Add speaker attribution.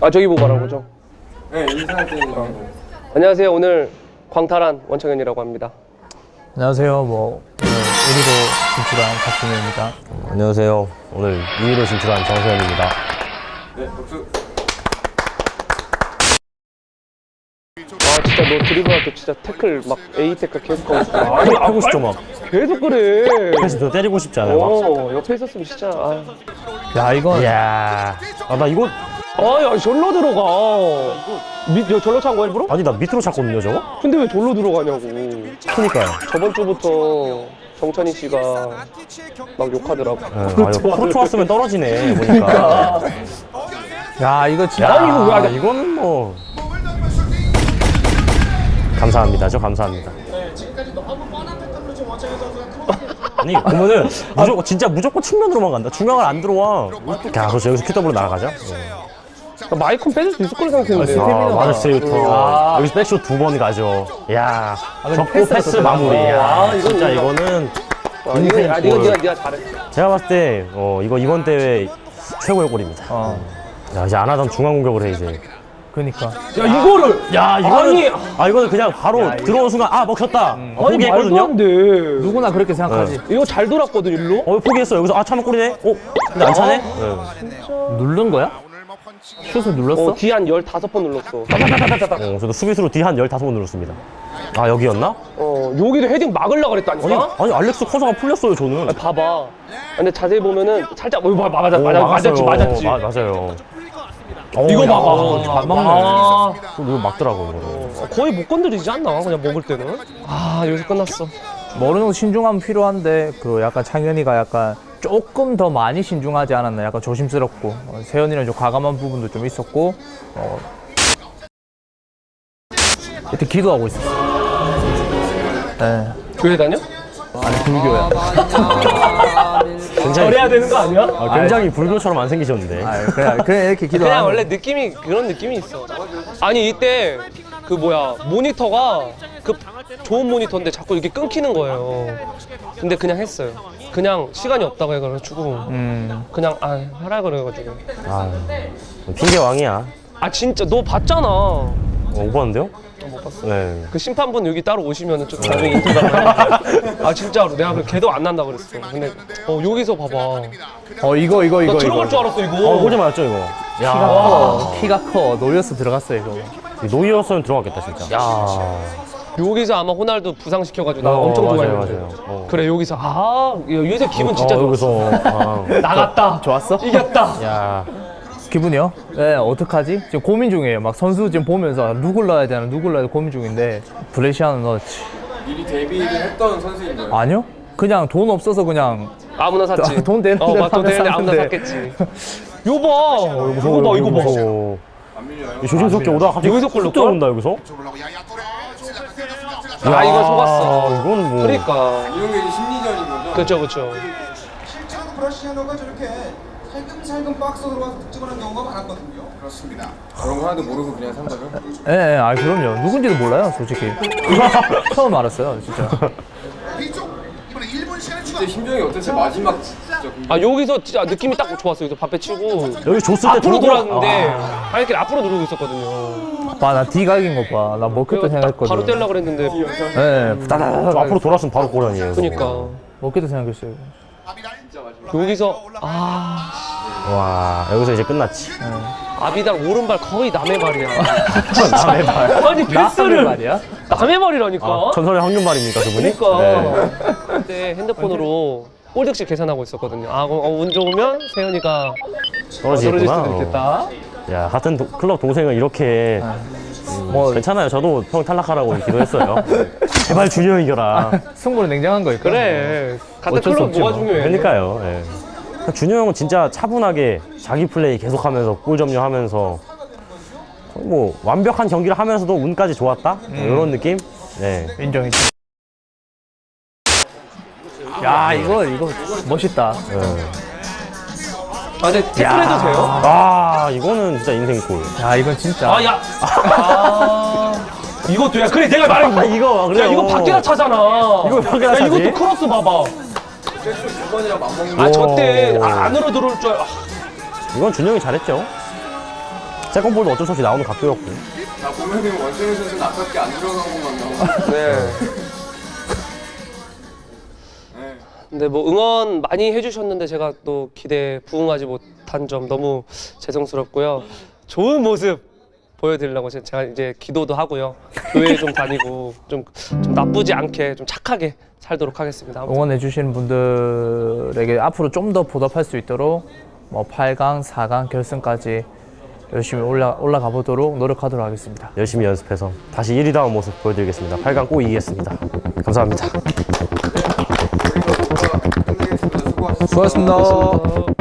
Speaker 1: 아 저기 보고 말하는 거죠?
Speaker 2: 네, 인사할 때는
Speaker 1: 안녕하세요. 오늘 광탈한 원창현이라고 합니다.
Speaker 3: 안녕하세요. 뭐 오늘 1위로 진출한 박준현입니다.
Speaker 4: 안녕하세요. 오늘 2위로 진출한 정세현입니다.
Speaker 2: 네, 박수.
Speaker 1: 아 진짜 너 드리블할 때 진짜 태클 막 A 태클 계속 하고 싶어.
Speaker 4: 아니, 하고 싶죠, 막.
Speaker 1: 계속 그래.
Speaker 4: 그래서 저 때리고 싶지 않아요, 막.
Speaker 1: 옆에 있었으면 진짜. 아,
Speaker 3: 야 이건
Speaker 4: 이야. 아, 나 이거.
Speaker 1: 야 절로 들어가. 야, 절로 찬 거 일부러?
Speaker 4: 아니, 나 밑으로 찼거든요, 저거?
Speaker 1: 근데 왜 절로 들어가냐고.
Speaker 4: 그니까요.
Speaker 1: 저번 주부터 정찬희 씨가 막 욕하더라고.
Speaker 4: 프로 왔으면 떨어지네, 보니까.
Speaker 3: 야 이거 진짜
Speaker 1: 야, 이거 왜 안 돼?
Speaker 4: 이거는 뭐. 감사합니다. 감사합니다. 아니, 그러면은 진짜 무조건 측면으로만 간다. 중앙을 안 들어와. 야, 그렇죠. 여기서 QW 날아가죠?
Speaker 1: 마이크는 빼줄 수 있을 거라 생각했는데.
Speaker 4: 마르세유터. 여기서 백쇼 2번 가죠. 야, 적고 패스 마무리. 야,
Speaker 1: 이건
Speaker 4: 진짜
Speaker 1: 인정.
Speaker 4: 이거는.
Speaker 1: 네가 잘했어.
Speaker 4: 제가 봤을 때, 이거 이번 대회 최고의 골입니다. 야, 이제 안 하던 중앙 공격을 해, 이제.
Speaker 3: 그니까
Speaker 1: 야 이거를.
Speaker 4: 야, 이거는 그냥 바로 들어오는 순간, 먹혔다. 포기했거든요.
Speaker 1: 안 돼.
Speaker 3: 누구나 그렇게 생각하지.
Speaker 1: 이거 잘 돌았거든 일로.
Speaker 4: 포기했어. 여기서, 차면 골이네? 근데 안 차네?
Speaker 3: 누른 거야? 슛을 눌렀어?
Speaker 1: 뒤 한 15번 눌렀어.
Speaker 4: 저도 수비수로 뒤 한 15번 눌렀습니다. 아, 여기였나?
Speaker 1: 여기도 헤딩 막으려고 그랬다니까?
Speaker 4: 아니, 알렉스 커서가 풀렸어요, 저는.
Speaker 1: 봐봐. 근데 자세히 보면은 살짝 맞았지.
Speaker 4: 맞아요.
Speaker 1: 이거 봐봐.
Speaker 3: 안 막네.
Speaker 4: 이거 막더라고, 이거.
Speaker 1: 거의 못 건드리지 않나? 그냥 먹을 때는. 여기서 끝났어.
Speaker 3: 뭐 어느 정도 신중함 필요한데 그 약간 창현이가 약간 조금 더 많이 신중하지 않았나. 약간 조심스럽고 세현이는 좀 과감한 부분도 좀 있었고 이때 기도하고 있었어. 네.
Speaker 1: 교회 다녀?
Speaker 3: 아니 불교야.
Speaker 1: 절해야 되는 거 아니야?
Speaker 4: 굉장히 불교처럼 안 생기셨는데.
Speaker 3: 그냥 이렇게 기도하는.
Speaker 1: 그냥 원래 느낌이 그런 느낌이 있어. 아니 이때 그 모니터가 그 좋은 모니터인데 자꾸 이렇게 끊기는 거예요. 근데 그냥 했어요. 그냥 시간이 없다고 해가지고 그냥 하라 그래가지고.
Speaker 4: 핑계 왕이야.
Speaker 1: 진짜 너 봤잖아.
Speaker 4: 못 봤는데요?
Speaker 1: 못 봤어.
Speaker 4: 네.
Speaker 1: 그 심판분 여기 따로 오시면은 좀 나중에 인터뷰. 진짜로 내가 그 걔도 안 난다 그랬어. 근데 여기서 봐봐.
Speaker 3: 이거
Speaker 1: 나 들어갈 줄 알았어 이거.
Speaker 4: 골대 맞았죠, 이거?
Speaker 3: 키가 커. 노렸어 들어갔어 이거.
Speaker 4: 노이였으면 들어갔겠다, 진짜.
Speaker 1: 여기서 아마 호날두 부상시켜가지고 나 엄청 좋아했는데.
Speaker 4: 맞아요.
Speaker 1: 그래 여기서 여기서 기분 진짜 좋았어.
Speaker 4: 여기서.
Speaker 1: 나갔다.
Speaker 3: 좋았어?
Speaker 1: 이겼다.
Speaker 4: 야.
Speaker 3: 기분이요? 네, 어떡하지? 지금 고민 중이에요. 막 선수 지금 보면서 누굴 넣어야 되나 고민 중인데 브레시아는 넣었지.
Speaker 2: 미리 데뷔를 했던 선수인 거예요.
Speaker 3: 아니요? 그냥 돈 없어서 그냥
Speaker 1: 아무나 샀지.
Speaker 3: 돈 되는 대로
Speaker 1: 돈 되는데 아무나
Speaker 3: 샀는데.
Speaker 1: 샀겠지. 이거 봐.
Speaker 4: 조심스럽게 오다가 갑자기
Speaker 1: 여기서 골
Speaker 4: 훅
Speaker 1: 넣을걸?
Speaker 4: 들어온다, 여기서?
Speaker 1: 이거 속았어.
Speaker 4: 이거는 뭐.
Speaker 1: 그러니까.
Speaker 2: 이런 게 이제 심리전인 거죠.
Speaker 1: 그쵸.
Speaker 5: 실제로 브라시아노가 저렇게 살금살금 박스로 들어와서 득점을 한 경우가 많았거든요. 그렇습니다.
Speaker 2: 그런 거 하나도 모르고 그냥 산 거죠?
Speaker 3: 예, 그럼요. 누군지도 몰라요, 솔직히. 처음 알았어요, 진짜.
Speaker 5: 뒤쪽 이번에 1분 시간을 추가.
Speaker 2: 그때 심정이 어땠어요? 마지막 진짜
Speaker 1: 여기서 진짜 느낌이 딱 좋았어. 여기서 밥배 치고.
Speaker 4: 여기 줬을 때
Speaker 1: 앞으로
Speaker 4: 들어가-
Speaker 1: 돌았는데 이렇게 앞으로 누르고 있었거든요.
Speaker 3: 나 뒤각인 거 봐. 나 먹겠다
Speaker 1: 딱
Speaker 3: 생각했거든.
Speaker 1: 바로 떼려고 그랬는데.
Speaker 3: 예,
Speaker 4: 저 앞으로 돌았으면 바로 골 아니에요.
Speaker 1: 그러니까.
Speaker 3: 먹겠다 생각했어요.
Speaker 1: 여기서
Speaker 4: 와, 여기서 이제 끝났지.
Speaker 1: 아비달 오른발 거의 남의 발이야.
Speaker 4: 남의 발.
Speaker 1: 아니 패스를
Speaker 3: 말이야?
Speaker 1: 남의 발이라니까.
Speaker 4: 전설의 황금발입니까, 그분이?
Speaker 1: 그러니까.
Speaker 4: 네.
Speaker 1: 그때 핸드폰으로 골득실 계산하고 있었거든요. 운 좋으면 세현이가 떨어질
Speaker 4: 떨어지겠구나.
Speaker 1: 수도 있겠다.
Speaker 4: 야, 같은 클럽 동생을 이렇게.
Speaker 3: 뭐
Speaker 4: 괜찮아요. 저도 형 탈락하라고 기도했어요. 제발 준영이 이겨라.
Speaker 3: 승부는 냉정한 거니까.
Speaker 1: 그래. 같은
Speaker 3: 어쩔 수
Speaker 1: 클럽
Speaker 3: 없지
Speaker 1: 뭐가
Speaker 3: 뭐.
Speaker 1: 중요해.
Speaker 4: 그러니까요. 예. 준영 형은 진짜 차분하게 자기 플레이 계속하면서 골 점유하면서 뭐 완벽한 경기를 하면서도 운까지 좋았다? 이런 느낌? 네.
Speaker 3: 인정이지. 야, 이거 멋있다.
Speaker 1: 근데 태클해도 돼요?
Speaker 4: 이거는 진짜 인생골.
Speaker 3: 야, 이건 진짜.
Speaker 1: 이것도 야 그래 내가 말한 거.
Speaker 4: 이거 그래요.
Speaker 1: 야 이거 밖에다 차잖아.
Speaker 4: 이거 밖에다 차지?
Speaker 1: 이것도 크로스 봐봐.
Speaker 2: 백수 두 번이랑 맞먹는 거.
Speaker 1: 저때 안으로 들어올 줄.
Speaker 4: 이건 준영이 잘했죠. 세컨볼도 어쩔 수 없이 나오는 각도였고.
Speaker 2: 자 보면은 원정현 선수는 아깝게 안 들어간 것만 나오고.
Speaker 1: 네.
Speaker 2: 네.
Speaker 1: 근데 뭐 응원 많이 해주셨는데 제가 또 기대에 부응하지 못한 점 너무 죄송스럽고요. 좋은 모습 보여드리려고 제가 이제 기도도 하고요. 교회 좀 다니고 좀 나쁘지 않게 좀 착하게 살도록 하겠습니다. 아무튼
Speaker 3: 응원해 주시는 분들에게 앞으로 좀 더 보답할 수 있도록 뭐 8강, 4강 결승까지 열심히 올라가 보도록 노력하도록 하겠습니다.
Speaker 4: 열심히 연습해서 다시 1위다운 모습 보여드리겠습니다. 8강 꼭 이기겠습니다. 감사합니다.
Speaker 2: 끝내겠습니다. 수고하셨습니다.
Speaker 3: 수고하셨습니다.